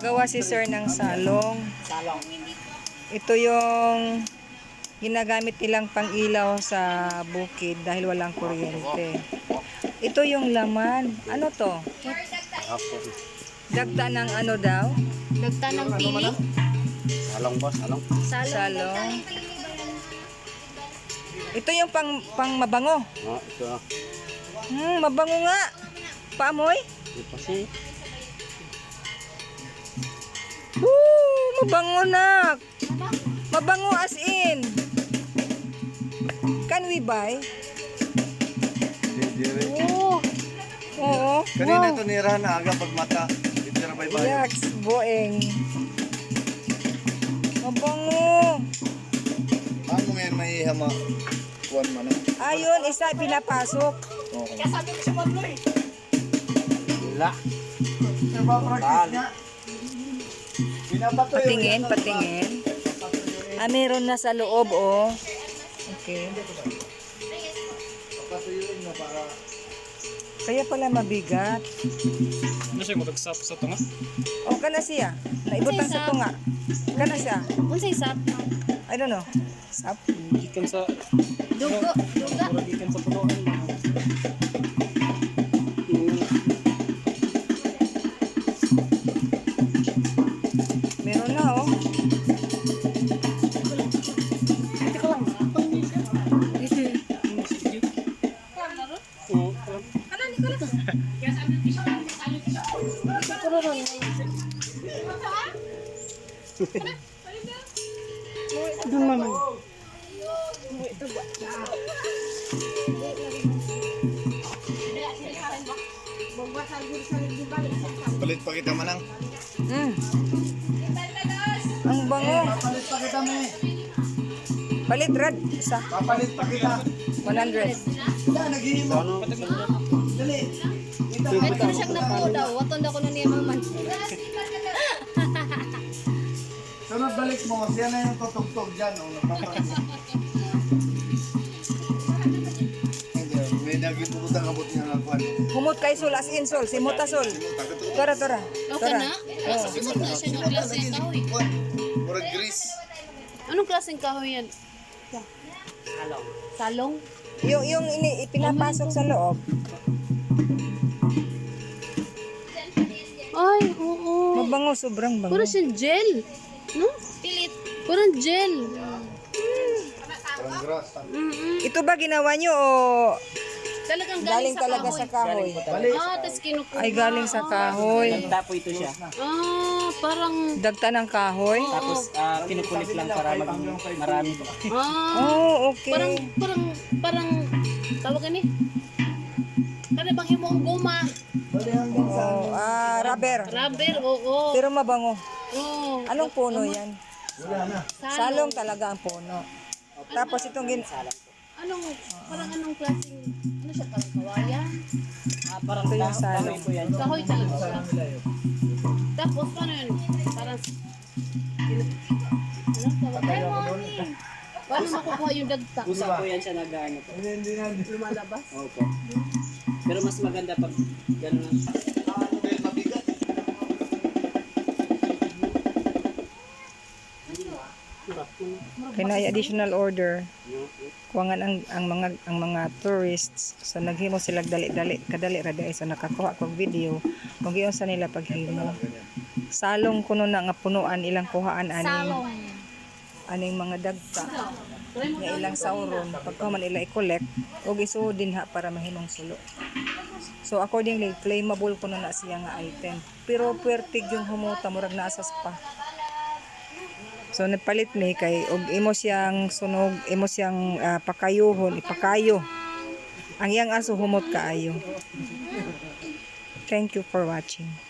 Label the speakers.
Speaker 1: Gumagawa si sir ng salong.
Speaker 2: Salong.
Speaker 1: Ito yung ginagamit nilang pang-ilaw sa bukid dahil walang kuryente. Ito yung laman. Ano to? Dagta ng ano daw?
Speaker 3: Dagta ng pili.
Speaker 2: Salong boss, salong.
Speaker 1: Salong. Ito yung pang mabango.
Speaker 2: Oh, ito.
Speaker 1: Mabango nga. Paamoy?
Speaker 2: Ito kasi.
Speaker 1: Mabango na. Mabango as in. Can we buy? Oo. Oo.
Speaker 4: Kanina to nira na aga pag mata. Dito na bye bye.
Speaker 1: Yaks, boeng. Mabango.
Speaker 4: Ano ngayon may hama? Kuwan man.
Speaker 1: Ayun, isa pinapasok.
Speaker 4: Okay.
Speaker 2: Wala.
Speaker 1: Patingin, patingin. Meron na sa loob, oh. Okay. Kaya pala mabigat.
Speaker 5: Ano siya mag-sap sa tunga?
Speaker 1: O, kana siya. Naibutang sa tunga. Kana siya.
Speaker 3: Unsay sap?
Speaker 1: I don't know. Sap.
Speaker 5: Gikan sa
Speaker 3: Dugo. Duga.
Speaker 5: mura gikan sa punuan.
Speaker 1: Meron na, oh.
Speaker 5: Oo.
Speaker 4: Palit pa kita manang.
Speaker 1: Ang bango.
Speaker 4: Palit pa kita me.
Speaker 1: Palit rad. Isa.
Speaker 4: Papalit pa kita.
Speaker 1: 100.
Speaker 4: Wala naghihimo. Dali.
Speaker 3: Kahit ko na siyang napo daw. Waton daw ko na niya maman.
Speaker 4: Sunod balik mo. Siya na yung tutugtog dyan. Oh, may nagipuputang abot niya ng kwan.
Speaker 1: Humot kay Sol. As in Sol. Si Muta Sol. Tora, tora.
Speaker 3: Okay na? Sumot na siya ng klaseng kahoy.
Speaker 4: Kwan. Murag grease.
Speaker 3: Anong klaseng kahoy yan?
Speaker 2: Salong.
Speaker 3: Salong?
Speaker 1: Yung pinapasok sa loob.
Speaker 3: Ay, oo.
Speaker 1: Mabango. Sobrang bango.
Speaker 3: Parang siyang gel. No? Pilit. Parang gel.
Speaker 4: Parang grass.
Speaker 1: Ito ba ginawa nyo o
Speaker 3: Talagang
Speaker 1: galing
Speaker 3: sa
Speaker 1: talaga
Speaker 3: kahoy.
Speaker 1: sa kahoy?
Speaker 3: Tapos kinukuha.
Speaker 1: Ay, galing sa kahoy.
Speaker 2: Tapo ito siya.
Speaker 3: Parang...
Speaker 1: Dagta ng kahoy?
Speaker 2: Tapos kinukulit lang para maging marami.
Speaker 1: Oh, okay.
Speaker 3: Parang... Tawag ka ni? Para bang himong guma.
Speaker 1: Oh, rubber.
Speaker 3: Rubber, oo.
Speaker 1: Pero mabango.
Speaker 3: Oo.
Speaker 1: Anong puno yan?
Speaker 3: Salong.
Speaker 1: Salong talaga ang puno. Tapos itong
Speaker 3: Anong klaseng... Ano siya? Parang kawayan?
Speaker 2: Parang
Speaker 1: ito yung salong.
Speaker 2: ko yan.
Speaker 3: Kahoy talaga siya. Tapos paano yun? Parang... Ano? Tawag ka? Paano makukuha yung dagta?
Speaker 2: Usap ko yan siya nag-ano po.
Speaker 3: Lumalabas?
Speaker 2: Opo. Pero mas maganda pag gano'n lang.
Speaker 4: Dahil mabigat.
Speaker 1: Kaya additional order. Kuwangan ang mga tourists. So naghimo sila dali-dali, kadali ra dai sa nakakuha kog video. Kung giyon sa nila paghimo. Salong kuno na nga punuan ilang kuhaan aning mga dagta. Nga ilang sauron pagka man ila i-collect og isudin ha para mahimong sulo. So accordingly claimable kuno na siya nga item. Pero puwertig yung humuta murag naa sa spa. So nagpalit ni kay og imo siyang sunog, imo siyang pakayuhon, ipakayo. Ang iyang aso humot kaayo. Thank you for watching.